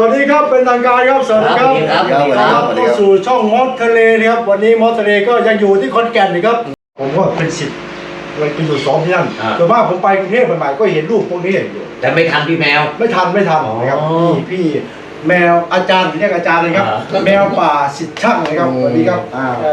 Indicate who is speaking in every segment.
Speaker 1: สวัสดีครับเป็นทางการครับสวัสดีครับเข้าสู่ช่องมอสทะเลนะครับวันนี้มอสทะเลก็ยังอยู่ที่ขอนแก่นนะครับผมก็เป็นศิษย์ไปอยู่ซ้อมที่นั่นแต่ว่าผมไปกรุงเทพใหม่ๆก็เห็นรูปพวกนี้อยู่
Speaker 2: แต่ไม่ทันพี่แมว
Speaker 1: ไม่ทันนะครับพี่แมวอาจารย์เรียกอาจารย์เลยครับแมวป่าศิษย์ช่างนะครับสวัสดีครับ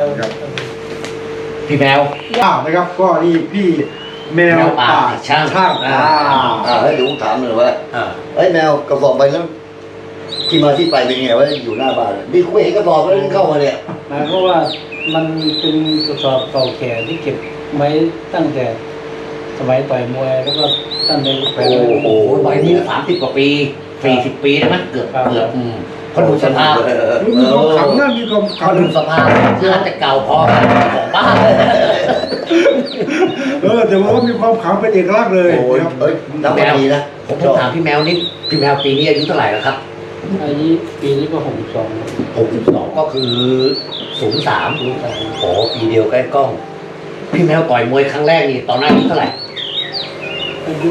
Speaker 2: พี่แมว
Speaker 1: นะครับก็นี่พี่แมวป่าช่าง
Speaker 3: ให้ดูถามหน่อยว่าไอ้แมวกระสอบไปแล้วที่มาที่ไปเป็นไงว่าอยู่หน้าบ้านนี่คุยกระสอบแล้วเข้ามาเนี่ย
Speaker 4: เพราะว่ามันเป็นกระสอบเก่าแก่ที่เก็บไว้ตั้งแต่สมัยต่อยมวยแล้วก็ตั้งแต่
Speaker 2: โอ้โหใบนี้30 กว่าปี40 ปีได้ไหมเกือบเขาดูสภาพ
Speaker 1: มีความขลังนะมีความขลั
Speaker 2: เขา
Speaker 1: ง
Speaker 2: ดูสภาพน่าจะเก่าพอกันของบ้าน
Speaker 1: แต่ว่ามีความขลังเป็นเอกลักษณ์เลย
Speaker 3: ครับนับปีนะ
Speaker 2: ผมถามพี่แมวนี่พี่แมวปีนี้อายุเท่าไหร่แล้วครับ
Speaker 4: อายุปีนี้ก็
Speaker 2: 62ก็คือ03โอ้ปีเดียวใกล้กล้องพี่แมวต่อยมวยครั้งแรกนี่ตอนนั้นอายุเท่าไหร่
Speaker 4: อายุ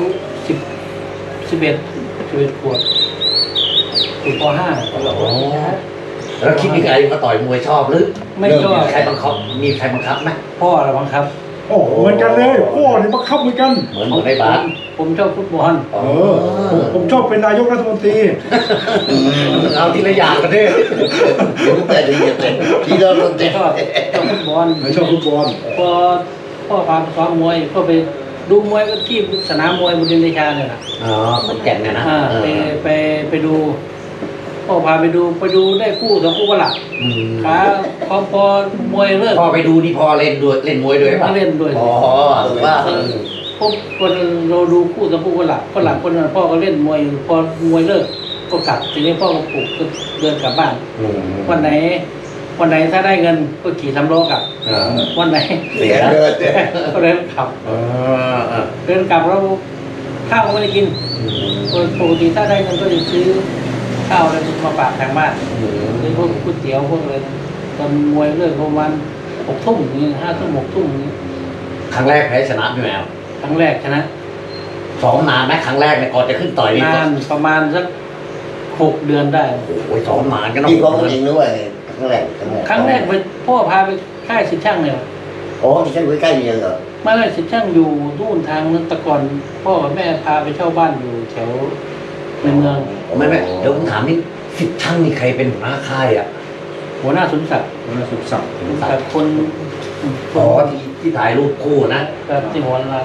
Speaker 4: 11 ขวบอยู่ป .5
Speaker 2: แล้วคิดยังไงมาต่อยมวยชอบหรือ
Speaker 4: ไม่ชอบ
Speaker 2: ใครบังคับมีใครบังคับไหม
Speaker 4: พ่อเราบังคับ
Speaker 1: โอ้เหมือนกันเลยพ่อนี่บังคับเหมือนกัน
Speaker 2: เหมือนในบ้าน
Speaker 4: ผมชอบฟุตบอล
Speaker 1: ผมชอบเป็นนายกรัฐมนตรี
Speaker 2: เอาทีละอย่างกันดิ
Speaker 3: แต่ดีแต่ที่เรา
Speaker 4: ชอบฟุตบอล
Speaker 1: ชอบฟุตบอล
Speaker 4: พอพ่อพาไปซ้อมมวยก็ไปดูมวยก็ที่สนามมวยบุรีรัมย์เนี่ยนะ
Speaker 2: ขอนแก่นเนี่ยนะ
Speaker 4: ไปดูพ่อพาไปดูได้คู่2 คู่กันหลักพอมวยเลิก
Speaker 2: พ่อไปดูนี่พ่อเล่นมวยด้วยป่ะ
Speaker 4: เล่นด้วย
Speaker 2: ว่า
Speaker 4: พวกคนเราดูคู่2 คู่กันหลักคนหลังคนนั้นพ่อก็เล่นมวยพอมวยเลิกก็กลับทีนี้พ่อก็ปลุกเดินกลับบ้านวันไหนถ้าได้เงินก็ขี่3 ล้อกลับวันไหน
Speaker 2: เสีย
Speaker 4: ก็เดินกลับแล้วข้าวก็ไม่ได้กินปกติถ้าได้เงินก็จะซื้อข้าวอะไรมาฝากทางบ้านเป็นพวกก๋วยเตี๋ยวพวกอะไรตอนมวยเลิกประมาณ6 ทุ่มอย่างนี้5 ทุ่ม6 ทุ่มอย่างนี้
Speaker 2: ครั้งแรกแพ้ชนะพี่แมว
Speaker 4: ครั้งแรกชนะ
Speaker 2: ซ้อมนานไหมครั้งแรกเนี่ยก่อนจะขึ้นต่อยนี่
Speaker 4: นานประมาณสัก6 เดือนได้
Speaker 2: โอ้ยซ้อมนานกันเนาะ
Speaker 3: พี่ซ้อมจริงด้วยครั้งแรก
Speaker 4: ไปพ่อพาไปค่ายศิษย์ช่างเนี่ย
Speaker 3: ที่ช่างใกล้ๆนี่เหรอ
Speaker 4: ไม่ได้ศิษย์ช่างอยู่นู่นทางนั้นแต่ก่อนพ่อกับแม่พาไปเช่าบ้านอยู่แถวในเมือง
Speaker 2: ไม่เดี๋ยวผมถามนี่ศิษย์ช่างนี่ใครเป็นหัวหน้าค่ายอ่ะ
Speaker 4: หัวหน้าสุนทรศักดิ์คน
Speaker 2: ที่ถ่ายรูปคู่นะ
Speaker 4: ที่หัวร้าน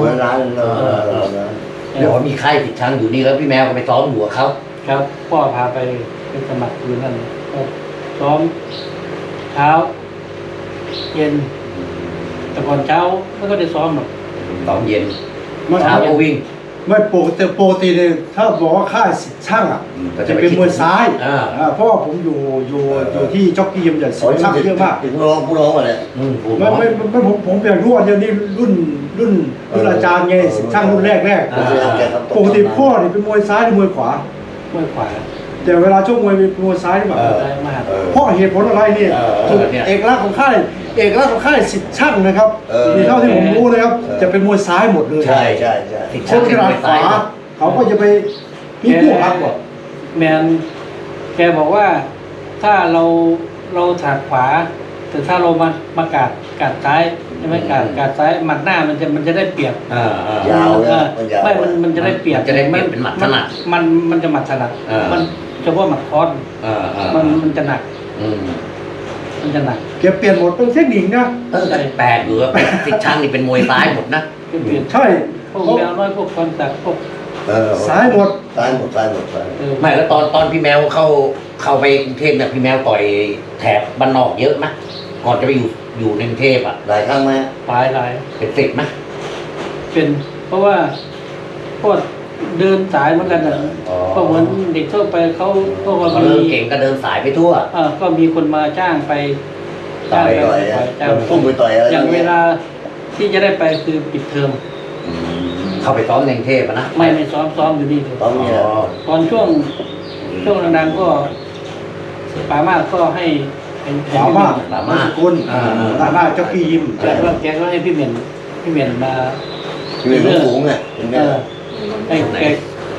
Speaker 2: เดี๋ยวมีค่ายศิษย์ช่างอยู่นี่แล้วพี่แมวก็ไปซ้อมอยู่กับเขา
Speaker 4: ครับพ่อพาไปสมัครอยู่นั่นซ้อมเช้าเย็นแต่ก่อนเช้าไม่ก็ได้ซ้อมหรอก
Speaker 2: ซ้อมเย็นเช้าก็วิ่ง
Speaker 1: ไม่ปกติเนี่ยถ้าบอกว่าค่ายศิษย์ช่างจะเป็นมวยซ้ายเพราะผมอยู่ที่จ็อกกี้ยิมใหญ่ศิษย์ช่างเยอะมาก
Speaker 3: ผู้ร้องอะไร
Speaker 1: ไม่ผมอยากรู้ว่าเดี๋ยวนี้รุ่นอาจารย์ไงศิษย์ช่างรุ่นแรกปกติพ่อเนี่ยเป็นมวยซ้ายหรือมวยขว
Speaker 4: ามวยขวา
Speaker 1: แต่เวลาช่วงมวยเป็นมวยซ้ายหรือเปล่าเพราะเหตุผลอะไรเนี่ยเอกลักษณ์ของค่ายศิษย์ช่างนะครับมีเท่าที่ผมรู้นะครับจะเป็นมวยซ้ายหมดเลย
Speaker 3: ใช่
Speaker 1: คนที่รักขวาเขาก็จะไปมีผู้หักหมด
Speaker 4: แมนแกบอกว่าถ้าเราถากขวาแต่ถ้าเรามากาดซ้ายใช่ไหมกาดซ้ายหมัดหน้ามันจะได้เปรียบ
Speaker 3: ยาว
Speaker 4: ไม่มันจะได้เปรียบ
Speaker 2: จะได้เป็นหมัดถนัด
Speaker 4: มันจะหมัดถนัดมันเฉพาะหมัดคอสมันจะหนักมันจะหนัก
Speaker 1: เก็บเปลี่ยนหมดเป็นเทคนิคนะ
Speaker 2: แปลกหรือศิษย์ช่างนี่เป็นมวยซ้ายหมดนะ
Speaker 1: ใช่
Speaker 4: พวกแมวน้อยพวกคอนตักพวก
Speaker 1: ซ้ายหมด
Speaker 2: ไม่แล้วตอนพี่แมวเข้าไปกรุงเทพเนี่ยพี่แมวต่อยแถบบ้านนอกเยอะไหมก่อนจะไปอยู่ในกรุงเทพอ่ะ
Speaker 3: หลายครั้งไหม
Speaker 4: หลาย
Speaker 2: เป็น10ไหม
Speaker 4: เป็นเพราะว่าพวกเดินสายเหมือนกันนะก็เหมือนเด็กทั่วไปเขา
Speaker 2: เริ่มเก่งก็เดินสายไปทั่ว
Speaker 4: ก็มีคนมาจ้างไป
Speaker 3: ต่อยพุ่งไปต่อยอะไร
Speaker 4: อย่างเวลาที่จะได้ไปคือปิดเทอม
Speaker 2: เข้าไปซ้อมในกรุงเทพนะ
Speaker 4: ไม่ซ้อมอยู่นี่ตอนช่วงดังๆก็ป่ามากก็ให้
Speaker 1: ป่ามากคุณป่ามากเจ้ากี้ยิม
Speaker 4: แกก็ให้พี่เหม็นมา
Speaker 3: พี่เหม็นสูงไง
Speaker 4: ไอ้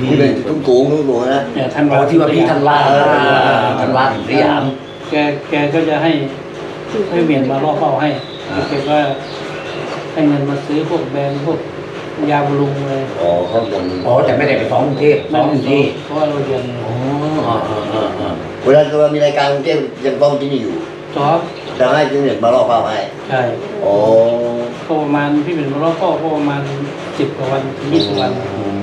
Speaker 3: ที่เป็นทุ่งสูงนะ
Speaker 4: เนี่ยท่าน
Speaker 2: อ๋อที่ว่าพี่ท่านว่าท่านว่าถึงสยาม
Speaker 4: แกก็จะให้เมียนมาล่อเป้าให้แกก็ให้เงินมาซื้อพวกแบรนด์พวกยาบำรุงเลย
Speaker 3: อ๋อข้างบน
Speaker 2: อ๋อแต่ไม่ได้ไปซ้อมกรุงเทพซ้อมอยู่ที่
Speaker 4: เพราะว่าเราเรียน
Speaker 2: อ๋อ
Speaker 3: เวลาเรามีรายการกรุงเทพยังต้องที่นี่อยู่
Speaker 4: ซ้อม
Speaker 3: จะให้ที่เนี่ยมาล่อเป้าให้
Speaker 4: ใช่
Speaker 3: อ๋อ
Speaker 4: ก็ประมาณพี่เป็นมาล่อเป้าก็ประมาณ10 กว่าวันถึง20 วัน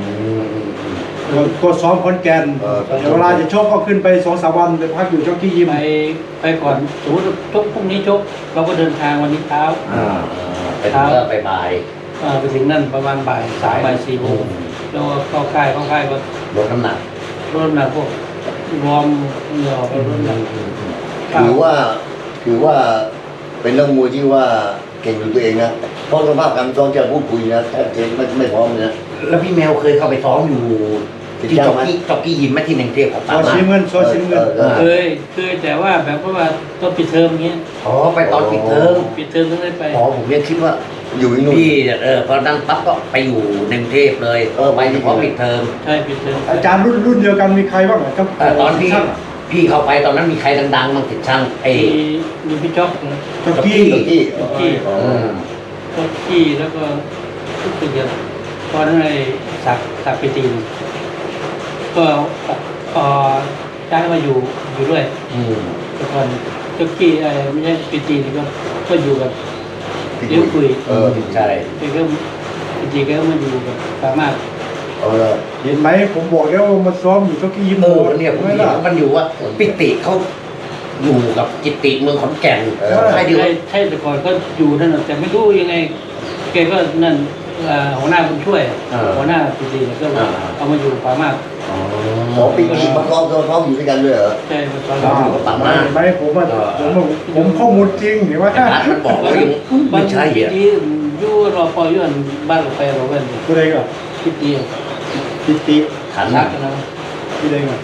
Speaker 1: ก็ซ้อมคอนแกนเดี๋ยวเวลาจะชกก็ขึ้นไป2-3 วันไปพักอยู่จ็อกกี้ยิม
Speaker 4: ไปก่อนสมมติชกพรุ่งนี้ชกเราก็เดินทางวันนี้เช้า
Speaker 2: ไปถึงก็ไปบ่าย
Speaker 4: ไปถึงนั่นประมาณบ่าย4 โมงแล้วก็เข้าค่ายก็
Speaker 2: ลดน้ำหนัก
Speaker 4: ลดน้ำหนักพวกวอร์มเหงื่อไปลดน้ำหนัก
Speaker 3: ถือว่าเป็นนักมวยที่ว่าเก่งอยู่ตัวเองนะเพราะสภาพการซ้อมจะพูดคุยนะแทบจะไม่พร้อมเลยนะ
Speaker 2: แล้วพี่แมวเคยเข้าไปซ้อมอยู่ที่จ็อกกี้ยิมไหมที่ในกรุงเทพของ
Speaker 1: ซ
Speaker 2: ป่า
Speaker 1: อย
Speaker 2: มา
Speaker 1: ชิมเงินซอยชิมเงิน
Speaker 4: เคยแต่ว่าแบบว่าต้องปิดเทอมอย่างเงี้ย
Speaker 2: อ๋อไปตอนปิดเทอม
Speaker 4: ปิดเทอมต้องได้ไป
Speaker 2: อ๋อผมยังคิดว่า
Speaker 3: อยู่ที่นู่น
Speaker 2: พี่พอดังปั๊บก็ไปอยู่ในกรุงเทพเลยไปเฉพาะปิดเทอม
Speaker 4: ใช่ปิดเทอม
Speaker 1: อาจารย์รุ่นเดียวกันมีใครบ้างครับ
Speaker 2: ตอนพี่เข้าไปตอนนั้นมีใครดังๆบ้างติดช่าง
Speaker 4: มีพี่จ๊อกนะ
Speaker 1: จ็อกกี้
Speaker 3: ที่
Speaker 4: จ๊อกกี้จ๊อกกี้แล้วก็ทุกคนเดียวตอนนั้นไอ้สักไปตีนก็ย้ายมาอยู่ด้วยแต่ก่อนจ๊อกกี้ไม่ใช่ไปตีนก็อยู่กับเลี้ยวคุย
Speaker 2: ใช่
Speaker 4: แกก็จริงๆก็มาอยู่กับสามารถ
Speaker 1: เห็นไหมผมบอกแล้วว่ามาซ้อมอยู่จ็อกกี้ยิม
Speaker 2: เนี่ยผม
Speaker 1: ไม่
Speaker 2: เห็น
Speaker 1: ล่ะ
Speaker 2: มันอยู่ว่าปิติเขาอยู่กับกิติเมืองขอนแก่นใช่ดี
Speaker 4: ใช่แต่ก่อนก็อยู่นั่นแต่ไม่รู้ยังไงแกก็นั่นหัวหน้าบุญช่วยหัวหน้าปีดีก็เอามาอยู่ป่ามาก
Speaker 3: หมอปีมาซ้อมอยู่ด้วยกันด้วยเหรอ
Speaker 4: ใช่มาตอน
Speaker 2: ป่ามาก
Speaker 1: เห็นไหมผมข้อมูลจริงเห็นไหม
Speaker 2: แต่ร้านมันบอกว่าไม่ใช่
Speaker 4: ปี
Speaker 2: อ่ะ
Speaker 4: ดียู่รอพอยื่นบ้านเราไปเราเป็น
Speaker 1: ตัวเองอ่ะ
Speaker 4: ปีดี
Speaker 1: ปิติ
Speaker 2: ขัน
Speaker 4: รักนะ
Speaker 1: ปีเองอ่ะ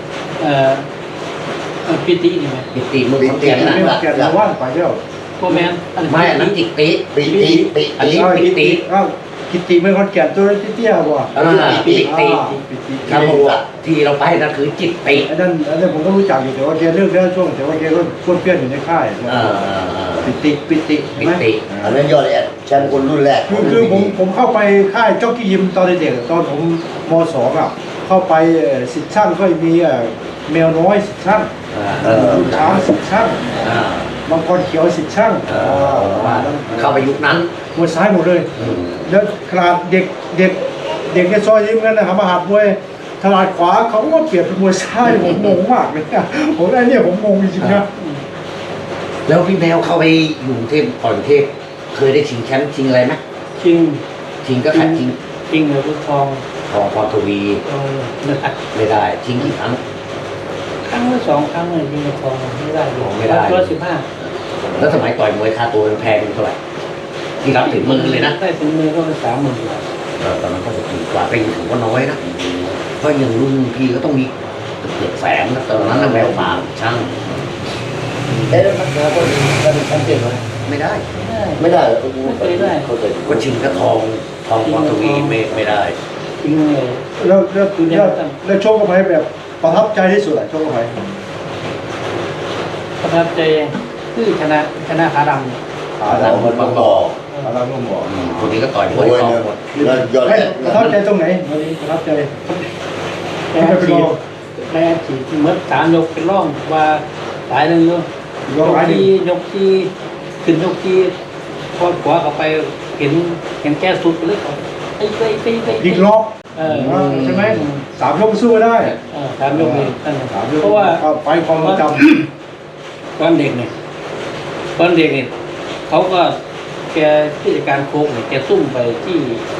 Speaker 4: ปีดีนี่ไหม
Speaker 2: กิติเมืองขอนแก่น
Speaker 1: ไม่
Speaker 2: นะ
Speaker 1: แกนว่านไปแล้ว
Speaker 4: พ่อแม่
Speaker 2: ไม่อันนั้นจิติ อันนี้ปิติ
Speaker 1: กิติไม่คอนแก่นตัวเตี้ยๆว่ะ
Speaker 2: ปิติ
Speaker 1: ปิติ
Speaker 2: ครับผมที่เราไปนั่นคือจิตติ
Speaker 1: อันนั้นผมก็รู้จักอยู่แต่ว่าแกเลิกแล้วช่วงแต่ว่าแกก็ช่วยเพื่อนอยู่ในค่ายปิติ
Speaker 2: ปิติ
Speaker 3: อันนั้นยอดเลยแชมป์คนรุ่นแรก
Speaker 1: คือผมเข้าไปค่ายจ็อกกี้ยิมตอนเด็กตอนผมม.2อ่ะเข้าไปสิทธิ์ช่างก็มีแมวน้อยสิทธิ์ช่างช้างสิทธิ์ช่างบางคนเขียวสิทธิ์ช่าง
Speaker 2: เข้าไปยุคนั้น
Speaker 1: มวยซ้ายหมดเลยแล้วขนาดเด็กในซอยยิมกันนะครับมาหัดมวยขนาดขวาเขาก็เปลี่ยนเป็นมวยซ้ายผมงงมากเลยผมไอ้เนี่ยผมงงจริงๆนะ
Speaker 2: แล้วพี่แมวเข้าไปอยู่กรุงเทพก่อนกรุงเทพเคยได้ชิงแชมป์ชิงอะไรไหม
Speaker 4: ชิง
Speaker 2: ก็ขัดชิง
Speaker 4: เลยพุททอง
Speaker 2: ของพรทวีไม่ได้ชิงกี่ครั้ง
Speaker 4: ครั้งละ2 ครั้งเลยยิงกับทองไม่ได้ตัว15
Speaker 2: แล้วสมัยต่อยมวยค่าตัวแพงเท่าไหร่ที่รับถึงมือเลยนะ
Speaker 4: ได้ถึงมือก็เป็น30,000 บาท
Speaker 2: ตอนนั้นก็ถูกกว่าไปถือว่าน้อยนะเพราะอย่างรุ่นพี่ก็ต้องมีเกือบแสนนะตอนนั้นนะแววฟ้าช่าง
Speaker 3: แล้วนักมวยก็ได้แชมป์เปี้ยนไหม
Speaker 2: ไม่ได้
Speaker 3: ไม่ได้
Speaker 2: ก็ชิงกระทองพรทวีไม่ได้
Speaker 4: จริงเลย
Speaker 1: แล้วโชคกับใครแบบประทับใจที่สุดอะโชคกับใคร
Speaker 4: ประทับใจคือชนะขาดำ
Speaker 3: ขาดำมันบังบอก
Speaker 1: เราก็บอก
Speaker 2: คนนี้ก็ต่อยมวยทองหมด
Speaker 3: ยอด
Speaker 1: ประทับใจตรงไหนวันนี้ประทับใจ
Speaker 4: แม่ฉีดเมื่อ3 ยกเป็นร่องว่าหลายนึงอยู่ยกที่ขึ้นยกที่พอขวาเข้าไปเห็นแก้สุดไปเลยไป
Speaker 1: อีกรอบใช่ไหม3 ยกสู้ได้
Speaker 4: 3 ยกเลยนั่น
Speaker 1: 3 ยก
Speaker 4: เพราะว่า
Speaker 1: ไปความจ
Speaker 4: ตอนเด็กเนี่ยเขาก็แกที่จัดการโค้กเนี่ยแกซุ่มไปที่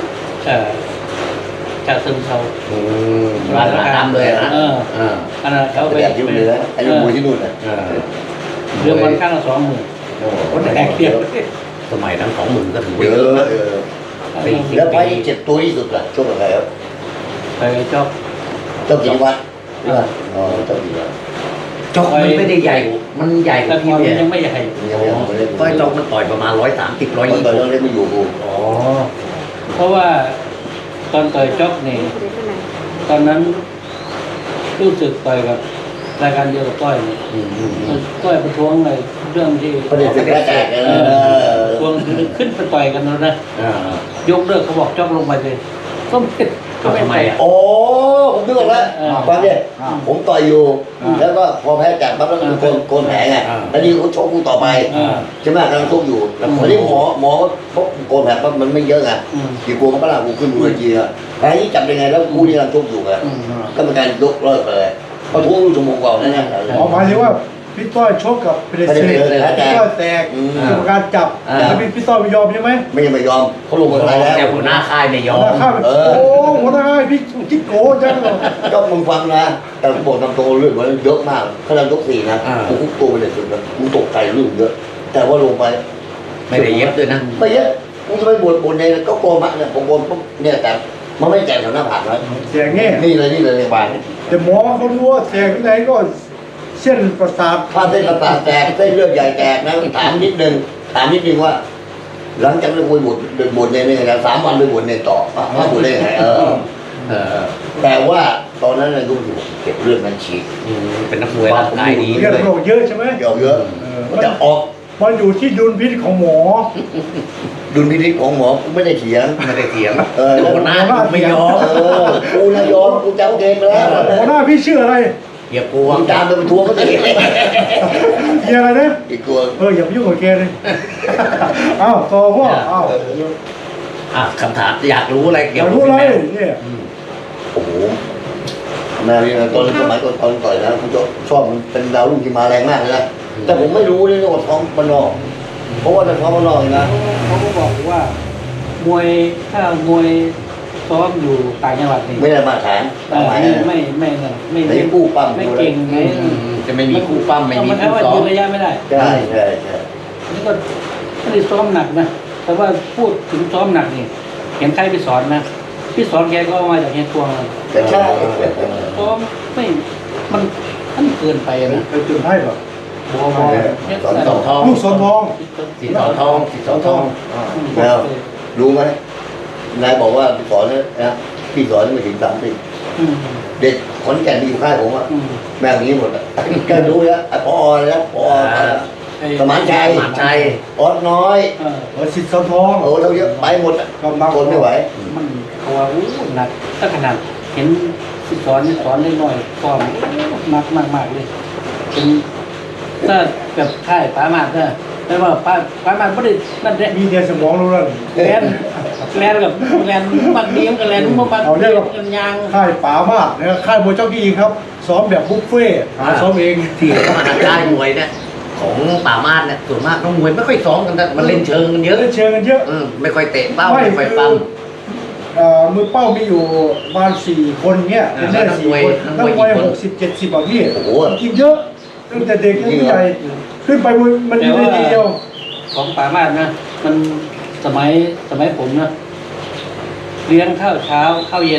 Speaker 4: จากเซิงเซา
Speaker 2: ร้านน้ำเลยนะ
Speaker 4: อันนั้นเขา
Speaker 3: ไป
Speaker 4: ไป
Speaker 3: แบบที่นู่นเลยนะไอ้มวยที่นู่นน่ะ
Speaker 4: เรือมันข้างละ20,000คนแตกเดียว
Speaker 2: สมัยนั้น20,000ก็ถือ
Speaker 3: เย
Speaker 2: ว่าเย
Speaker 3: อะ
Speaker 2: อะนะ
Speaker 3: แล้วไปเจ็บตัวที่สุดล่ะช่วงอะไรครับ
Speaker 4: ไปจอบ
Speaker 3: เจ้ากิติวัฒน์อ๋อเจ้ากิติวัฒน์
Speaker 2: จอกมันไม่ได้ใหญ่มันใหญ่
Speaker 4: แต่พ
Speaker 2: พี่
Speaker 4: อ
Speaker 2: เนี่ย
Speaker 4: ยังไม่ใหญ่
Speaker 3: ยังไม่ได้
Speaker 2: ก็จอกมันต่อยประมาณ130
Speaker 3: ตอนตอนนั้น
Speaker 2: 120
Speaker 3: เล่นไม่อยู่กู
Speaker 2: อ๋อ
Speaker 4: เพราะว่าตอนต่อยจอบเนี่ยตอนนั้นรู้สึกต่อยกับรายการเดียวกับต้อยเนี่ยต้อยประท้วงในเรื่องที่
Speaker 3: ประเด็นแรกแตก
Speaker 4: ทวงขึ้นไปต่อยกันแล้วนะยกเลิกเขาบอกจอกลงไปเลยก็ไม่ไป
Speaker 3: โอ้ผมนึกออกแล้วฟังดิผมต่อยอยู่แล้วก็พอแพ้จัดปั๊บแล้วก็โกนแผลไงแล้วนี่เขาชกกูต่อไปใช่ไหมกำลังชกอยู่วันนี้หมอพบโกนแผลปั๊บมันไม่เยอะไงกี่กลัวมันก็ลากกูขึ้นบนเวทีอะแผลนี้จับยังไงแล้วกูนี่กำลังชกอยู่ไงก็เป็นการยกเลิกเลยเพราะทุกชั่วโมงกว่านั่นแหละ
Speaker 1: หมายถึงว่าพี่ต้อยชกกับเพเดเซพี่ต้อยแตกกรรมการจับแล้วพี่ต้อยไม่ยอมใช่ไหม
Speaker 3: ไม่ยอมเขาลงอะไรแล้ว
Speaker 2: แต่หัวหน้าค่ายไม่ยอม
Speaker 1: หัวหน้าค่ายโอ้หัวหน้าค่ายพี่จิ๊กโก้จังเลย
Speaker 3: ก็มึงฟังนะแต่บอกตามตรงเรื่องมันเยอะมากขนาดยก4นะกูคุกตัวไปเลยสุดเลยกูตกใจเรื่องเยอะแต่ว่าลงไป
Speaker 2: ไม่ได้เย็บด้วยนะ
Speaker 3: ไม่เยอะกูจะไปบนในก็โกมัดเนี่ยผมบนปุ๊บเนี่ยแต่มันไม่แจกแถวหน้าผากนะ
Speaker 1: แตกแง่
Speaker 3: นี่เลยในบ้าน
Speaker 1: แต่หมอเขารู้ว่าแตกที่ไหนก็เส้นประสาท
Speaker 3: ถ้าเส้นประสาทแตกเส้นเลือดใหญ่แตกนะถามนิดนึงว่า หลังจากนั้นคุยบทในนี่นะ3 วันไปบทในต่อมาบทได้ยังไงแต่ว่าตอนนั้นนายรู้อยู่เก็บเลือดมันฉีก
Speaker 2: เป็นนักมวยร่างกายดี
Speaker 1: เลือดโรคเยอะใช่ไหม
Speaker 3: เยอะมันจะออก
Speaker 1: มันอยู่ที่ดุลพินิจของหมอ
Speaker 3: ดุลพินิจของหมอกูไม่ได้เถียง
Speaker 2: ไม่ได้เถียง
Speaker 3: หัวหน้า
Speaker 2: ไม่ยอม
Speaker 3: กูนะยอมกูจะเอาเกมไปแล้ว
Speaker 1: หัวหน้าพี่ชื่ออะไร
Speaker 2: อย่ากลัว
Speaker 3: มึงตามไปเป็นทัวร์ก็ได้
Speaker 1: เฮียอะไรนะ
Speaker 3: อีกตัว
Speaker 1: อย่าไปยุ่งกับแกเลยอ้าวต่อพ่ออ้าว
Speaker 2: คำถามอยากรู้อะไร
Speaker 1: อ
Speaker 2: เกี่ย
Speaker 1: ยาว ก
Speaker 2: กับ
Speaker 1: รู้อะไร
Speaker 2: แมว
Speaker 1: เนี่ย
Speaker 3: โอ้โหแม่เนี่ยตอนสมัยก่อนต่อยนะผมชอบมันเป็นดาวรุ่งที่มาแรงมากเลยนะแต่ผมไม่รู้เลยว่าท้องมันนอกเพราะว่าท้องมันนอกนะ
Speaker 4: เขาก็บอกว่ามวยถ้ามวยซ้อมอยู่ต่างจังหวัดนี่
Speaker 3: ไม่ได้มาตรฐาน
Speaker 4: ไม่
Speaker 3: กู้ปั้ม
Speaker 4: ไม่เก่งไม่
Speaker 2: จะไม่มีคู่ปั้มไม่มี
Speaker 4: มันแค่
Speaker 2: คู่
Speaker 4: ว่า
Speaker 2: ซ้อ
Speaker 4: ยื
Speaker 2: ม
Speaker 4: นระยะไม่ได้
Speaker 3: ใช่
Speaker 4: นี่ก็ไม่ได้ซ้อมหนักนะแต่ว่าพูดถึงซ้อมหนักนี่เห็นใครไปสอนนะพี่สอนแกก็มาจากเฮียตวง
Speaker 3: แต่ใช่
Speaker 4: ซ้อมไม่มันเกินไปนะ
Speaker 1: ไปจุดให้เหรอ
Speaker 3: สอนสอง
Speaker 2: ทอง
Speaker 1: ลูกสอนทอง
Speaker 2: สีสอทองสีสอทอง
Speaker 3: แล้วรู้ไหมนายบอกว่าสอนนะพี่สอนไม่ถึง30เด็กขอนแก่นที่อยู่ค่ายผมอะแม่งนี้หมดอะก็รู้แล้วไอ้พอแล้วพอสมานชัยออดน้อย
Speaker 1: สิทธิ์สอนทอง
Speaker 3: โอ้เราเยอะไปหมดอะทนไม่ไหว
Speaker 4: มันเขาว่าหนักถ้าขนาดเห็นพี่สอนได้หน่อยก็มากเลยเป็นถ้าแบบค่ายป้ามาดนะแต่ว่าป้ามาดไม่ได้นั่นแหละ
Speaker 1: มีเดียสมองรู้แล้ว
Speaker 4: แลนกับบางเดียมกับแลนบางเดียมกันยาง
Speaker 1: ค่ายป๋ามากนะครับค่ายมวยเจ้ากี้ครับซ้อมแบบบุฟเฟ่หาซ้อมเอง
Speaker 2: ที่มาค่ายมวยเนี่ยของป่ามาดเนี่ยส่วนมากน้องมวยไม่ค่อยซ้อมกันแต่มันเล่นเชิงกันเยอะ
Speaker 1: เล่นเชิงกันเยอะ
Speaker 2: ไม่ค่อยเตะเป้าไม่ค่อยปั้ม
Speaker 1: มือเป้ามีอยู่ประมาณ4 คนเงี้ยเป็นเล่น4 คนนักมวย60-70แบบนี้กินเยอะตั้งแต่เด็กจนผู้ใหญ่ขึ้นไปมันอยู่ในทีเดียว
Speaker 4: ของป่ามาดนะมันสมัยผมนะเลี้ยงข้าวเช้าข้าวเย็น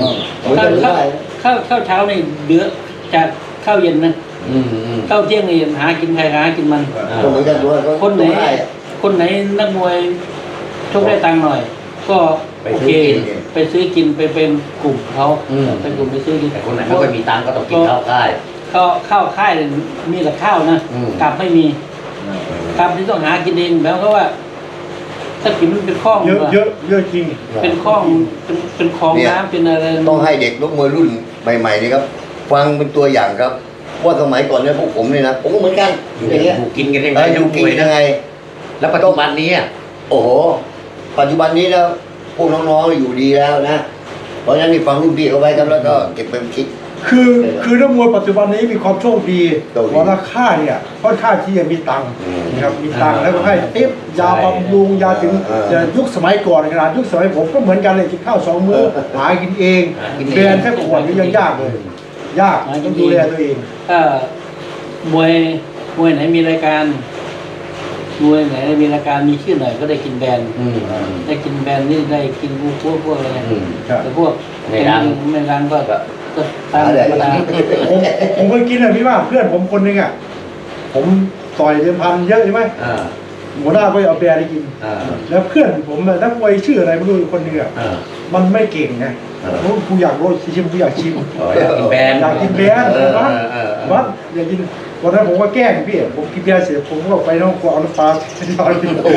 Speaker 4: ข้าวเช้านี่เดือจากข้าวเย็นนะข้าวเที่ยงนี่หากินใครหากินมันคนไหนนักมวยชกได้ตังค์หน่อย ก็โอเคไปซื้อกินไปเป็นกลุ่มเขาเป็นกลุ่มไปซื้อกิน
Speaker 2: แต่คนไหนไม่ค่อยมีตังค์ก็ต้องกินข้าวค่าย
Speaker 4: ข้าวค่ายมีแต่ข้าวนะกลับไม่มีกลับที่ต้องหากินเองแล้วก็ว่าถ้ากินมันเป็นข้อง
Speaker 1: เยอะจริง
Speaker 4: เป็นข้องเป็นคลองน้ำเป็นอะไร
Speaker 3: ต้องให้เด็กลูกมวยรุ่นใหม่ๆนี่ครับฟังเป็นตัวอย่างครับว่าสมัยก่อนเนี่ยพวกผมเนี่ยนะผมก็เหมือนกันอย่างเงี้ย
Speaker 2: อยู่กินกันยังไง
Speaker 3: อยู่กินยังไง
Speaker 2: แล้วปัจจุบันนี้
Speaker 3: โอ้โหปัจจุบันนี้แล้วพวกน้องๆอยู่ดีแล้วนะเพราะฉะนั้นนี่ฟังรุ่นพี่เขาไว้ครับแล้วก็เก็บเป็นคิด
Speaker 1: คือนักมวยปัจจุบันนี้มีความโชคดีเพราะราคาเนี่ยค่อนข้างที่จะมีตังค์นะครับมีตังค์แล้วก็ให้ติ๊บยาบำรุงยาถึงยุคสมัยก่อนขนาดยุคสมัยผมก็เหมือนกันเลยกินข้าว2 มื้อหากินเองเรียนแค่ขวดนี้ยังยากเลยยากต้องดูแลตัวเอง
Speaker 4: ถ้ามวยไหนมีรายการมวยไหนมีรายการมีชื่อหน่อยก็ได้กินแบรนด์ได้กินแบรนด์นี่ได้กินพวกอะไรแต่พวกไม่รังก็ตามธรรมดา
Speaker 1: ผมเคยกินเลยพี่ว่าเพื่อนผมคนนึงอ่ะผมต่อยเดิมพันเยอะใช่ไหมหัวหน้าก็เอาแบร์ให้กินแล้วเพื่อนผมนักมวยชื่ออะไรไม่รู้คนหนึงอ่ะมันไม่เก่งไงกูอยากรู้ชิมกูอยากชิม
Speaker 2: อยากกินแบรนด์
Speaker 1: อยากกินแบรนด์วัดอยากกินวันนั้นผมก็แกล้งพี่ผมกินเบียร์เสร็จผมก็ไปน้องกวางน้ำปลาที่บ้านพี่โอ้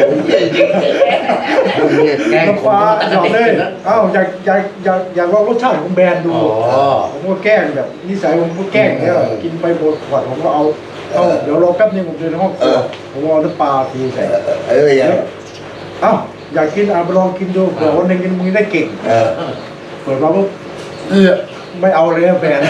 Speaker 1: น้ำปลาหยอดเลยอยากลองรสชาติของแบรนด์ดูผมก็แกล้งแบบนิสัยผมก็แกล้งแล้วกินไปหมดขวดผมก็เอาเดี๋ยวรอแป๊บนึงผมเดินในห้องครัวผมเอาน้ำปลาทีใส่อยากกินไปลองกินดูเผื่อวันหนึ่งกินมึงได้เก่งเปิดมาปุ๊บไม่เอาเลยแบรนด์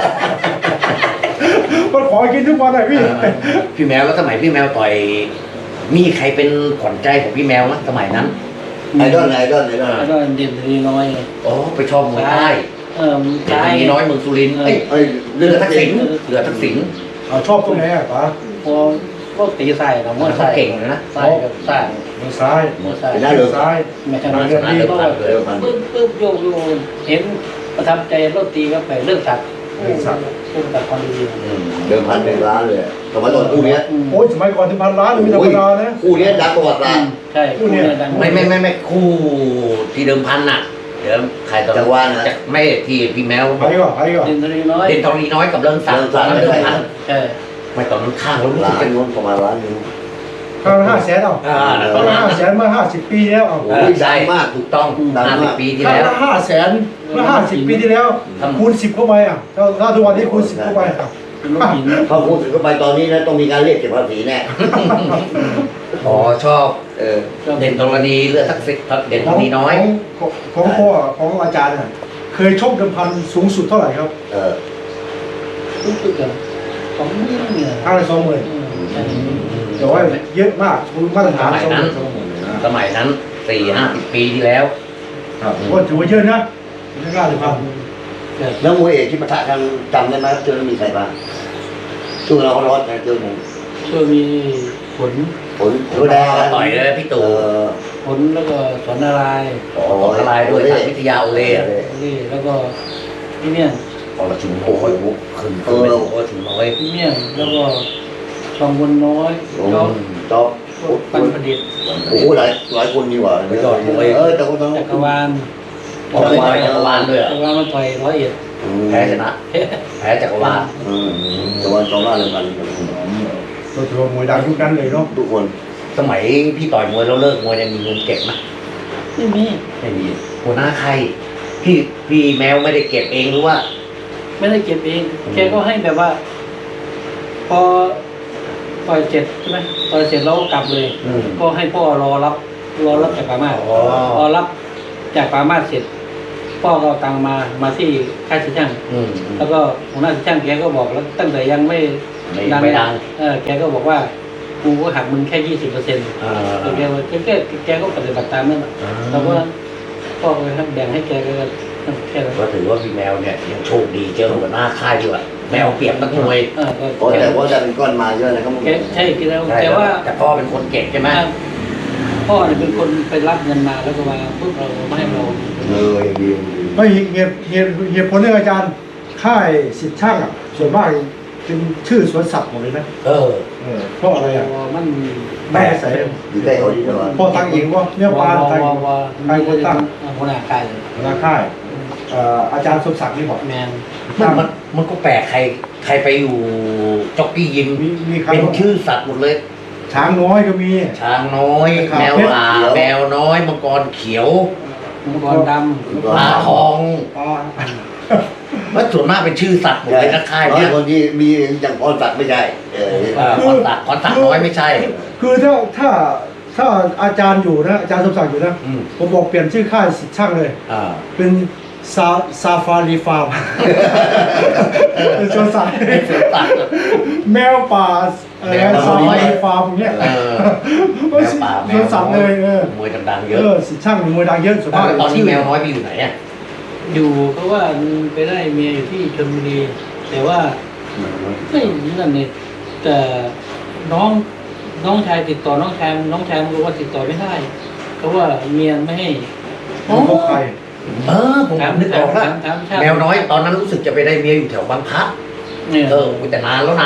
Speaker 1: มันขอกินทุกวันเลยพี่
Speaker 2: แมวแล้วสมัยพี่แมวต่อยมีใครเป็นขวัญใจของพี่แมวมั้ยสมัยนั้น
Speaker 3: ไอดอล
Speaker 4: เด่นทีน้อย
Speaker 2: อ๋อไปชอบมวยใต้เด่นทีน้อยเมืองสุรินทร์เรือทักษิณ
Speaker 1: ชอบตรงไหนอ่ะป๋า
Speaker 4: พวกตีใส่กับมวย
Speaker 2: เก่งนะ
Speaker 4: ใส่กับใส่
Speaker 1: มือซ้าย
Speaker 3: ได้เลย
Speaker 1: ซ้าย
Speaker 4: ไม่ใช่มือซ้ายปึ๊บโยกเห็นประทับใจรถตีก็ไปเลิกสักเลิกสักคนดี
Speaker 3: เดิมพัน1 ล้านเลยสมัยก่อนคู่นี้
Speaker 1: โอ้ยสมัยก่อน1,000 ล้านมีธรรมดานะ
Speaker 3: คู่นี้ดังประวัติศาสตร์
Speaker 4: ใช่คู่นี้ดัง
Speaker 2: ไม่คู่ที่เดิมพันน่ะเดี๋ยวใครต่อ
Speaker 3: จังหวะนะ
Speaker 2: ไม่ที่พี่แมว
Speaker 1: ไปก่อน
Speaker 4: เด่นทรีน้
Speaker 2: อยกับเรื่องสักตอนนั้นเดิมพัน
Speaker 4: ใช่
Speaker 2: ไม่ตอนนั้นข้างแล้ว
Speaker 3: ล้านนู้นประมาณล้านนึง
Speaker 1: ข้าง500,000เอาข้าง500,000เมื่อ50 ปีแล้วเอา
Speaker 2: ใช่มากถูกต้อง50 ปีที่แล้ว
Speaker 1: ข้าง500,000เมื่อ50 ปีที่แล้วคูณ10เข้าไปอ่ะถ้าทุกวันนี้คูณ10เข้าไป
Speaker 3: เขาคูณ10เข้าไปตอนนี้นะต้องมีการเรียกเก็บภาษีแน่
Speaker 2: ชอบเด่นธรณีเลือดทักษิณเด่นธรณีน้อย
Speaker 1: ของพ่อของอาจารย์น่ะเคยชกเดิมพันสูงสุดเท่าไหร่ครับ
Speaker 4: สูงสุดเหรอ20,000เนี่ย
Speaker 1: ข้างละ20,000แต่ว่าเยอะมากมาตรฐาน
Speaker 2: สมัยนั้น 40-50 ปีที่แล้ว
Speaker 1: ก็ถือว่าเยอะนะไม่กล้าเลยครับ
Speaker 3: แล้วมวยเอกที่ปะทะกันจำได้ไหมเจอมีใครบ้างช่วงเราร้อนเจอผม
Speaker 4: ช่วงมีผล
Speaker 3: แดง
Speaker 2: ต่อยเลยพี่ตู่
Speaker 4: ผลแล้วก็สอนนาราย
Speaker 2: ด้วยวิทยาโอเล่
Speaker 4: แล้วก็พี่เมี่ยง
Speaker 2: เราชุมโอ้ยขึ้นไม่ถูกว่าชุมน้อย
Speaker 4: พี่เมี่ยงแล้วก็ชองวนน้อย
Speaker 3: จ๊อบ
Speaker 4: ปันประดิษฐ์
Speaker 3: โอ้โหหลายคนดีกว่า
Speaker 2: ไม่ต่อยมวย
Speaker 3: แต่คนต้อง
Speaker 4: จักรวาล
Speaker 2: จักรวาลด้วย
Speaker 4: จักรวาลมันต่อย
Speaker 2: 101แพ้ชนะแพ้จักรวาล
Speaker 3: จักรวาล2 ล้านเลยกัน
Speaker 1: ตัวถือว่ามวยดังทุกนั้นเลยเนาะ
Speaker 3: ทุกคน
Speaker 2: สมัยพี่ต่อยมวยแล้วเลิกมวยเนี่ยมีเงินเก็บไหม
Speaker 4: ไม่มี
Speaker 2: หัวหน้าใครพี่แมวไม่ได้เก็บเองหรือว่า
Speaker 4: ไม่ได้เก็บเองแกก็ให้แบบว่าพอต่อยเสร็จใช่ไหมต่อยเสร็จแล้วกลับเลยก็ให้พ่อรอรับจากปามาพอรับจากปามาเสร็จพ่อก็ตังมาที่ค่ายช่างแล้วก็หัวหน้าช่างแกก็บอกแล้วตั้งแต่ยังไม่ดังแกก็บอกว่ากูก็หักมึงแค่20%แกก็ปฏิบัติตามนั่นแล้วก็พ่อเลยครับแบ่งให้แกก็แค่
Speaker 2: ก็ถือว่าพี่แมวเนี่ยยังโชคดีเจอหัวหน้าค่ายอยู่อะแมวเปรียบนักมวย
Speaker 3: แต่ว่าจะเป็นก้อนมาเยอะนะครับ
Speaker 4: ใช่คือแล้วแต่ว่า
Speaker 2: แต่พ่อเป็นคนเก็บใช่ไหม
Speaker 4: พ่อเนี่ยเป็นคนไปรับเงินมาแล้วก็มาพวกเราไม่ให้เรา
Speaker 3: ดี
Speaker 1: ไม่เหตุผลเรื่องอาจารย์ค่ายสิทธิ์ช่างอ่ะส่วนมากเป็นชื่อสวนสัตว์หมดเลยนะเพราะอะไรอ่ะ
Speaker 4: มัน
Speaker 1: แม่ใส่
Speaker 3: อยู่ใกล้เขาดีกว่า
Speaker 1: พ่อตั้งเองว่าเนี่ยปานใครคนตั้ง
Speaker 4: หัวหน้าค่าย
Speaker 1: อาจารย์สมศักดิ์นี่บอก
Speaker 4: แมน
Speaker 2: มันก็แปลกใครไปอยู่จ็อกกี้ยิมเป็นชื่อสัตว์หมดเลย
Speaker 1: ช้างน้อยก็มี
Speaker 2: ช้างน้อยแมวแมวน้อยมังกรเขียว
Speaker 4: มังกรดำ
Speaker 2: ปลาทองว่าส่วนมากเป็นชื่อสัตว์หมดเลยนะค่ายเนี่ย
Speaker 3: คนที่มีอย่างพรสัตว์ไม่ใช่
Speaker 2: พรสัตว์น้อยไม่ใช่
Speaker 1: คือถ้าอาจารย์อยู่นะอาจารย์สมศักดิ์อยู่นะผมบอกเปลี่ยนชื่อค่ายสิทธิ์ช่างเลยเป็นซาฟารีฟาร์มเป็นสวนสัตว์แมวป่าซาฟารีฟาร์มเนี่ย
Speaker 2: แมวป่าแมว
Speaker 1: สัตว์เลย
Speaker 2: มวยดังๆเยอะ
Speaker 1: สิทธิ์ช่างมวยดังเยอะสุดท้าย
Speaker 2: ตอนนี้แมวน้อยไปอยู่ไหนอ่ะ
Speaker 4: อยู่เพราะว่าไปได้เมียอยู่ที่ชลบุรีแต่ว่าไม่นั่นเนี่ยแต่น้องชายติดต่อน้องชายรู้ว่าติดต่อไม่ได้เพราะว่าเมียไม่ให้
Speaker 1: พบใคร
Speaker 2: ผมนึกออกแล้วแมวน้อยตอนนั้นรู้สึกจะไปได้เมียอยู่แถวบางพระแต่นานแล้วนะ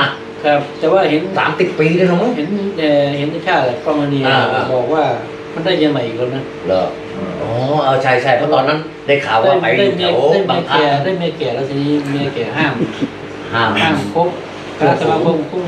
Speaker 4: ครับ แต่ว่าเห็น
Speaker 2: 30 ปีเลยเนาะ
Speaker 4: เห็นในชาติกองมณี
Speaker 2: อ่า
Speaker 4: บอกว่ามันได้เมียใหม่อีกคนนะ
Speaker 3: เหรอ
Speaker 2: อ๋อใช่เพราะตอนนั้นได้ข่าวว่าไปอยู่แถว
Speaker 4: ได้
Speaker 2: บาง
Speaker 4: เมี
Speaker 2: พลั
Speaker 4: ย
Speaker 2: ด
Speaker 4: ได้เมียแก่แล้วทีนี้เมียแก่ห้าม
Speaker 2: ห้าม
Speaker 4: คบคณะสมาคมคุ้ม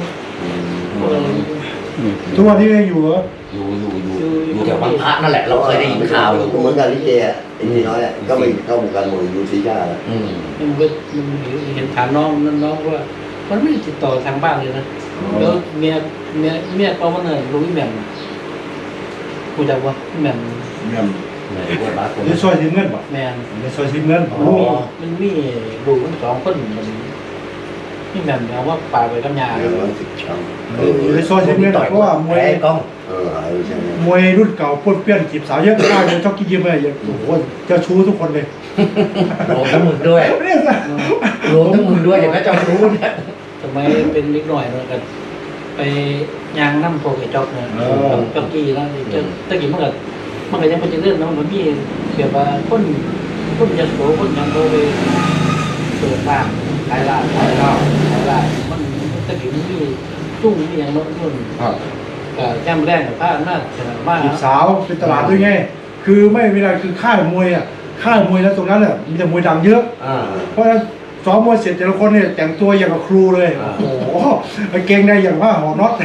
Speaker 1: ทุกวันนี้ยังอยู่เหรอ
Speaker 2: อยู่แถวบางพลัดนั่นแหละเราเคยได้ยินข่าวอยู่
Speaker 3: เหมือนกันลิเกอ่ะไอ้นี่น้อยอ่ะก็ไปเข้าวงการมวยอยู่สีชาแล้ว
Speaker 2: อืม
Speaker 4: มันเห็นถามน้องว่ามันไม่ได้ติดต่อทางบ้านเลยนะแล้วเมียเขามันเนี่ยรู้อีแหม่มกูจำว่าอีแหม่ม
Speaker 1: เนี่ย
Speaker 2: ไหนว่าบ้าคน
Speaker 1: ในซอยทีมเงินป่ะ
Speaker 4: แมน
Speaker 1: ในซอยทีมเงิน
Speaker 2: อ๋อ
Speaker 4: มันมีลูกมัน2 คนมันอีแหม่มเอาว่าป่าไปกับยา
Speaker 3: เรื่องร้อย10ช้ำ
Speaker 1: อยู่ในซอยทีมเงินเพราะว่ามวย
Speaker 2: แพ้กล้อง
Speaker 3: หายไปใช่ไหม
Speaker 1: มวยรุ่นเก่าปนเปี้ยนจีบสาวเยอะมากเลยชอบกินยิ้มเลยโอ้โหเจ้าชู้ทุกคนเลย
Speaker 2: รวมทั้งมึงด้วย
Speaker 1: เนี่ยนะ
Speaker 2: รวมทั้งมึงด้วยอย่างนั้นจะรู้เนี่ย
Speaker 4: สมัยเป็นเล็กหน่อยเลยกันไปยางน้ำโพกไอ้จ๊อกเนี่ยจ๊อกกี้แล้วตะกี้มันก็ยังไม่จะเลื่อนนะมันมีแบบว่าคนจะโสคนยังโตไปเปิดร้านขายร้านมันตะกี้มันมีตุ้งมีอย่างโน้นนู่น
Speaker 1: ครับ
Speaker 4: ก็แจ่มแรงกับผ้าหน้าขนาดมาก
Speaker 1: จีบสาวเป็นตลาดด้วยไงคือไม่เวลาคือค่ายมวยอ่ะค่ายมวยแล้วตรงนั้นเนี่ยมีแต่มวยดังเยอะ เพราะฉะนั้นซ้อมมวยเสร็จแต่ละคนเนี่ยแต่งตัวอย่างกับครูเลย โอ้โหกางเกงในอย่างว่าหอน็อต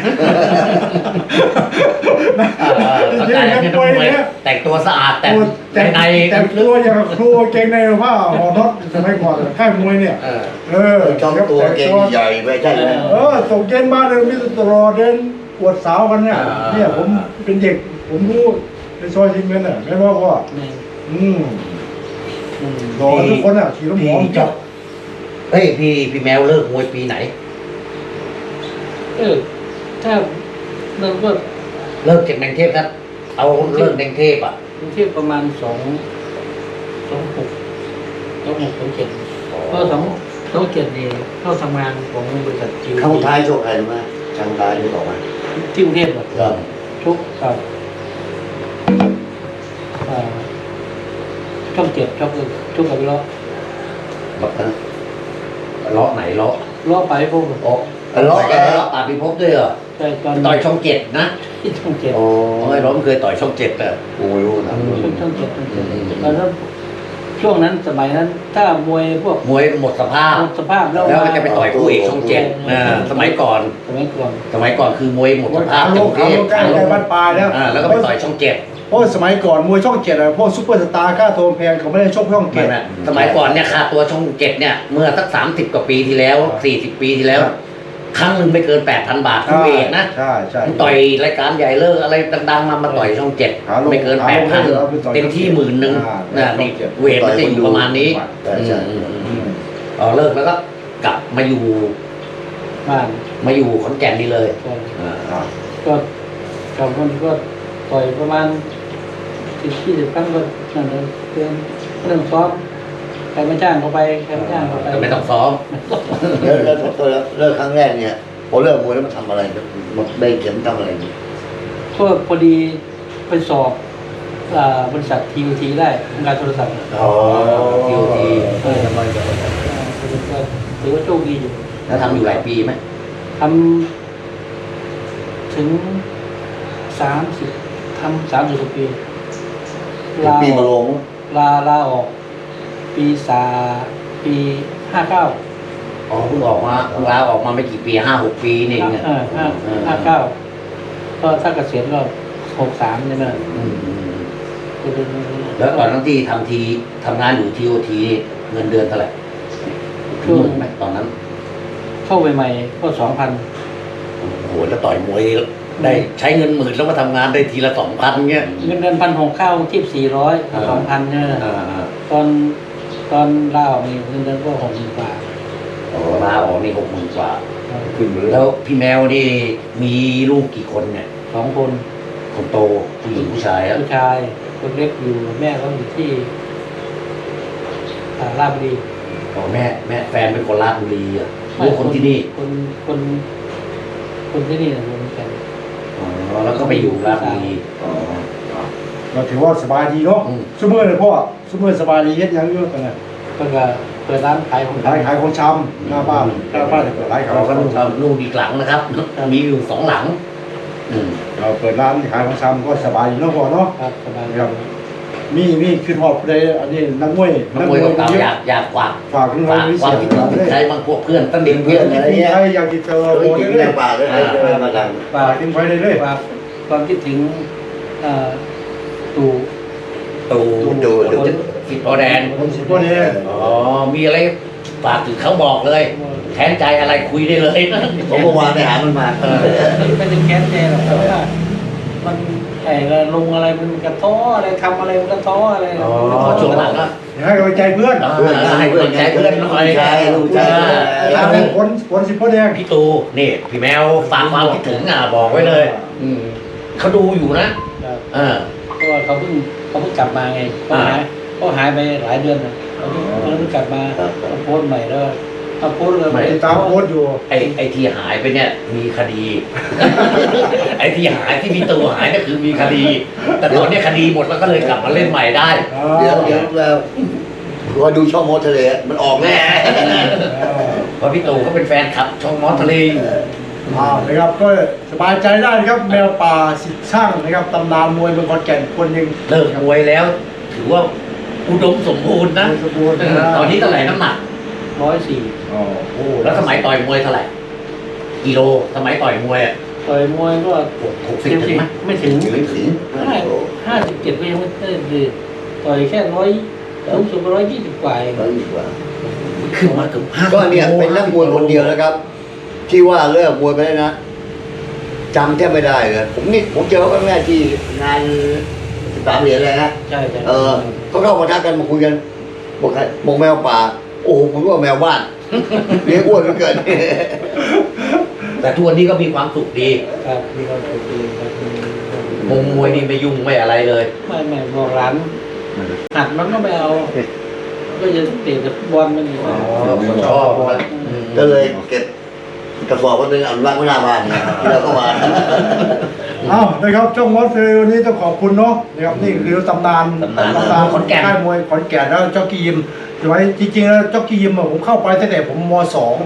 Speaker 2: เข้าใจแล้วที่ต้องมวยแต่งตัวสะอาดแต่ใน
Speaker 1: แต่งตัวอย่างกับครูกางเกงในว่าหอน็อตสมัยก่อนค่ายมวยเนี่ย
Speaker 3: ชอบตัวเก่งใหญ่ไม่ใช่ไหม
Speaker 1: ส่งเกณฑ์มาเลยมิสตรอเดินอวดสาวกันเนี่ยผมเป็นเด็กผมรู้ในซอยทีมเงินอ่ะไม่ว่าว่ารอทุกคนอ่ะขี่รถหมอจับ
Speaker 2: เฮ้ยพี่แมวเลิกมวยปีไหน
Speaker 4: ถ้าเราก็
Speaker 2: เลิกจากแดงเทพครับเอาเลิกแดงเทพอ่ะ
Speaker 4: เทียบประมาณ26 ก็2 7นี่เข้าทำงานของบริษัทจิว
Speaker 3: เข้าท้ายโชคใครรู้ไหมช่างท้ายนี่บอกว่า
Speaker 4: ที่กรุงเทพแบบ
Speaker 3: ครับ
Speaker 4: ทุกกับช่อง7ทุกกับล้อ
Speaker 2: แบบนั้นเลาะไหนเลาะ
Speaker 4: ล้อไปพวก
Speaker 2: โอ้เลาะแกเลาะปาพิภพด้วยเหรอ
Speaker 4: ใช่ตอน
Speaker 2: ต่อยช่อง 7นะ
Speaker 4: ที่ช่อง7
Speaker 3: โอ้
Speaker 2: ไอ้ร้อมเคยต่อยช่อง 7อ่ะ
Speaker 3: กูไม่รู้นะ
Speaker 4: ช่อง7แล้วช่วงนั้นสมัยนั้น ถ้ามวยพวก
Speaker 2: มวยหมดสภาพ
Speaker 4: หมดสภาพแล้ว
Speaker 2: แล้วก็จะไปต่อยคู่เอกช่อง7สมัยก่อนคือมวยหมดสภาพ
Speaker 1: โลกใกล้บ้านปลายแล้ว
Speaker 2: แล้วก็ไปต่อยช่อง 7
Speaker 1: เพราะสมัยก่อนมวยช่องเจ็ดอะพวกซุปเปอร์สตาร์ค่าตัวแพงเขาไม่ได้ชกช่องเจ็ด
Speaker 2: สมัยก่อนเนี่ยค่าตัวช่อง 7เนี่ยเมื่อสัก30 กว่าปีที่แล้ว40 ปีที่แล้ว ครั้งหนึ่งไม่เกิน 8,000 บาทคู่เอกนะ
Speaker 1: ใช่
Speaker 2: ต่อยรายการใหญ่เลิกอะไรดังๆมาต่อยช่อง 7ไม่เกิน 8,000 เต็มที่10,000นะนี่เวทมันจะอยู่ประมาณนี้เลิกแล้วก็กลับมาอยู่
Speaker 4: บ้าน
Speaker 2: มาอยู่ขอนแก่นนี่เลย
Speaker 4: ก็กับคนก็ต่อยประมาณ20 ครั้งก็นั่นเลยเรื่องซ้อมใครไม่จ้างเขาไปใครไม่จ้างเขาไป
Speaker 2: ก็ไม่ต้องซ้อม
Speaker 3: แล้วเลิกครั้งแรกเนี่ยพอเลิกมวยแล้วมันทำอะไรหมดได้เข็มทำอะไร
Speaker 4: ก็พอดีไปสอบบริษัท TOT ได้ทำการโทรศัพท์
Speaker 2: ทีโอที
Speaker 4: ถือว่าโชคดีอยู่
Speaker 2: แล้วทำอยู่หลายปีไหม
Speaker 4: ทำถึง30 กว่าปี
Speaker 3: ปีมาลง
Speaker 4: ลาออกปี59
Speaker 2: อ๋อเพิ่งออกมาเพิ่งลาออกมาไม่กี่ปี5-6 ปีนี่เองเนี่ย
Speaker 4: 59ก็ถ้าเกษียณก็63ใช่ไหม
Speaker 2: แล้วตอนนั้นที่ทำงานอยู่ทีโอทีเงินเดือนเท่าไหร่
Speaker 4: ช่วง
Speaker 2: ไหมตอนนั้น
Speaker 4: เข้าใหม่ๆก็ 2,000
Speaker 2: โอ้โหแล้วต่อยมวยได้ใช้เงิน10,000แล้วมาทำงานได้ทีละ 2,000เงี้ย
Speaker 4: เงินเดือน1,600เข้าที่400 2,000เนี่ยตอนลาออกนี่เงินเดือนก็60,000 กว่า
Speaker 2: ลาออกนี่60,000 กว่า
Speaker 3: ขึ้นเลย
Speaker 2: แล้วพี่แมวนี่มีลูกกี่คนเนี่ย
Speaker 4: 2 คน
Speaker 2: คนโตผู้หญิงผู้ชายครับ
Speaker 4: ผู้ชายคนเล็กอยู่แม่เขาอยู่ที่ราชบุรี
Speaker 2: อ๋อแม่แฟนเป็นคนราชบุรีอ่ะลูกคนที่นี่
Speaker 4: คนที่นี่นะคนกัน
Speaker 2: อ๋อแล้วก็ไปอยู่ราชบุรี
Speaker 1: เราถือว่าสบายดีเนาะซูเมอร์เลยพ่อซูเมอร์สบายดีเฮ็ดยังเยอะกันนะ
Speaker 4: ก็เปิดร้านขายของ
Speaker 1: ขายของชำหน้าบ้านเปิดร้านขาย
Speaker 2: เรา
Speaker 1: ของ
Speaker 2: ก็
Speaker 1: ชำ
Speaker 2: นู่นอีกหลังนะครับ มีอยู่2 หลัง
Speaker 1: เราเปิดร้านขายของชำก็สบายอยู่เนาะพ่อเนาะ
Speaker 4: ครับสบาย
Speaker 1: ครับมีคือหอบใดอันนี้นักมวย
Speaker 2: นักมวยเก่าๆอยากฝาก
Speaker 1: ฝากขึ้นไว้
Speaker 2: ฝาก
Speaker 1: วิ
Speaker 2: ควา
Speaker 1: เศ
Speaker 2: ม
Speaker 1: ษ
Speaker 2: คิดถึงถึงใครบางพวกเพื่อนตั้งเด็ก
Speaker 3: เพื่
Speaker 2: เพื่
Speaker 3: อ
Speaker 2: อน น
Speaker 3: อะไร
Speaker 1: ที่
Speaker 3: เงี้ย
Speaker 1: ใครอยากจะเจอ
Speaker 3: เค
Speaker 1: โม
Speaker 3: ยกิน
Speaker 1: เล
Speaker 3: แร
Speaker 1: ย
Speaker 3: งป่าเลยมาดัง
Speaker 4: ฝาก
Speaker 1: ทิ้งไว้เลย
Speaker 4: ฝากความคิดถึงตู่
Speaker 2: ตู่
Speaker 3: ดู
Speaker 2: สิทธิ์พอแดน
Speaker 1: คนสิบคนเอง
Speaker 2: อ๋อมีอะไรฝากถึงเขาบอกเลยแทนใจอะไรคุยได้เลย
Speaker 3: ผมเมื่อวานไปหามันมา
Speaker 4: ไม่ถึงแค้นใจหรอกแต่ว่ามันไอ้ลงอะไรมันกระท้ออะไรทำอะไรมันกระท้ออะไร
Speaker 2: พอช่วงหลังก็
Speaker 1: ให้กำลังใจเพื่อน
Speaker 2: ให้กำลังใจเพื่อนหน่อย
Speaker 3: ลูกชาย
Speaker 1: ทางคนสิบคนเอง
Speaker 2: พี่ตูนี่พี่แมวฝากความคิดถึงบอกไว้เลยเขาดูอยู่นะ
Speaker 4: เพราะว่าเขาเพิ่งกลับมาไงเขาหายไปหลายเดือนนะเขาเพิ่งกลับมาโพสต์ใหม่แล้วโพสต์เลย
Speaker 1: ตามโพสต์อยู่
Speaker 2: ไอ้ที่หายไปเนี่ยมีคดี ไอ้ที่หายที่พี่ตูหายเนี่ยคือมีคดี แต่ตอนนี้คดีหมดแล้วก็เลยกลับมาเล่นใหม่ได้
Speaker 3: เดี๋ยวแล้วรอดูช่องมอทะเลมันออกแน่
Speaker 2: เพราะพี่ตูเขาเป็นแฟนคลับช่องมอสทะเลอยู่
Speaker 1: นะครับก็สบายใจได้นะครับแมวป่าสิทธิ์ช่างนะครับตำนานมวยเมืองขอนแก่นคนหนึ่ง
Speaker 2: เลิกมวยแล้ว ถือว่าอุดมสมบูรณ์นะ
Speaker 1: สมบูรณ์
Speaker 2: ตอนนี้เท่าไหร่น้ำหนัก
Speaker 4: 104
Speaker 2: โอ้แล้วสมัยต่อยมวยเท่าไหร่กิโลสมัยต่อยมวยอ่ะ
Speaker 4: ต่อยมวยก็
Speaker 2: 60 ถึงไหม
Speaker 4: ไม่ถึง
Speaker 3: ถึง
Speaker 4: 57ก็ยังไม่ได้เลยต่อยแค่สูงสุด120 กว่าเอง
Speaker 2: ขึ้นมาเกือบ5
Speaker 3: ก็เนี่ยเป็นนักมวยคนเดียวนะครับ ที่ว่าเลิกมวยไปแล้วนะจำแทบไม่ได้เลยผมเจอเขาแม่ที่งาน13 เหรียญเลยนะ
Speaker 4: ใช่
Speaker 3: เขาเข้ามาทักกันมาคุยกันบอกแมวป่า โอ้โหผมว่าแมวบ้านเลี้ยงอ้วนเกิน
Speaker 2: แต่ทุกวันนี้ก็มีความสุขดี
Speaker 4: ครับมีความสุขดีครับ
Speaker 2: มวยนี่ไม่ยุ่งไม่อะไรเลย
Speaker 4: ไม่บอกร้านหัดมันก็ไม่เอา ก็จะเตะแต่บอลมันอยู่
Speaker 2: ชอบ
Speaker 3: ก็เลยเก็บกระสอบก็เป็นอนุรักษ์ไว้หน้าบ้านนะครับที่เราเข้ามา
Speaker 1: นะครับช่องมอสเฟลวันนี้ต้องขอบคุณเนาะนะครับนี่คือตำนานขอนแก่นค่ายมวยขอนแก่นแล้วจ็อกกี้ยิมไว้จริงๆแล้วจ็อกกี้ยิมผมเข้าไปตั้งแต่ผมม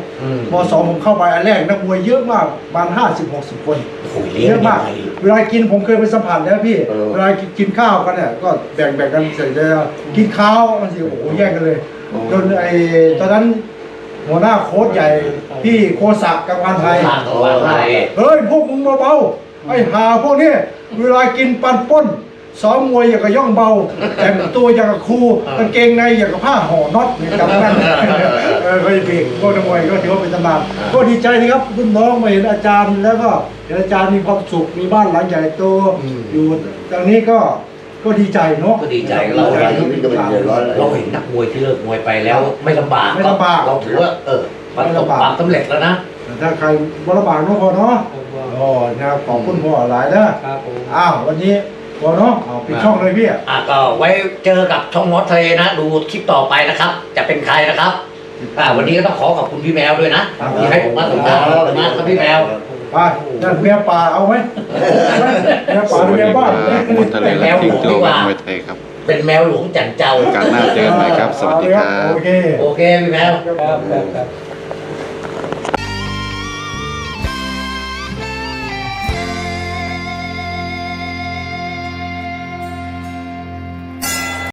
Speaker 1: .2 ผมเข้าไปอันแรกนักมวยเยอะมากประมาณ50-60 คนเยอะมากเวลากินผมเคยไปสัมผัสแล้วพี่เวลากินข้าวกันเนี่ยก็แบ่งกันเสร็จแล้วกินข้าวมันสิโอ้โหแย่งกันเลยจนตอนนั้นหัวหน้าโค้ชใหญ่พี่โคศักดิ์กังวานไทยเฮ้ยพวกมึงเบาๆไอ้หาพวกนี้เวลากินปันป้นซ้อมมวยอย่างกับย่องเบาแต่งตัวอย่างกับครูกางเกงในอย่างกับผ้าห่อน็อตเนี่ยกับนั่นก็จะเป็นพวกนักมวยก็ถือว่าเป็นตำนานก็ดีใจนะครับรุ่นน้องมาเห็นอาจารย์แล้วก็เห็นอาจารย์มีความสุขมีบ้านหลังใหญ่โตอยู่ตรงนี้ก็ดีใจเนาะ
Speaker 2: ก็ดีใจเราเห็นนักมวยที่เลิกมวยไปแล้วไม่ลำบากเราถือว่ามันประสบความสำเร็จแล้วนะ
Speaker 1: ถ้าใครบลำบากเนาะพอเนาะนะครับขอบคุณพ่อหลายนะครับวันนี้พอเนาะปิดช่องเลยพี่
Speaker 2: ก็ไว้เจอกับช่องมอสทะเลนะดูคลิปต่อไปนะครับ จะเป็นใครนะครับวันนี้ก็ต้องขอบคุณพี่แมวด้วยนะที่ให้ผมมาสัมภาษณ์ครับพี่แมว
Speaker 1: ไปนั่นเมียป่าเอาไหมเมียป่าหรือเมียบ้าน
Speaker 5: มอสทะเลและทิ้งตัวแบบมวยไทยครับ
Speaker 2: เป็นแมวหลวงจันเจ้า
Speaker 5: การหน้าเจอกันใหม่ครับ สวัสดีครับ
Speaker 1: โอเค
Speaker 2: พี่แมว
Speaker 4: ครับ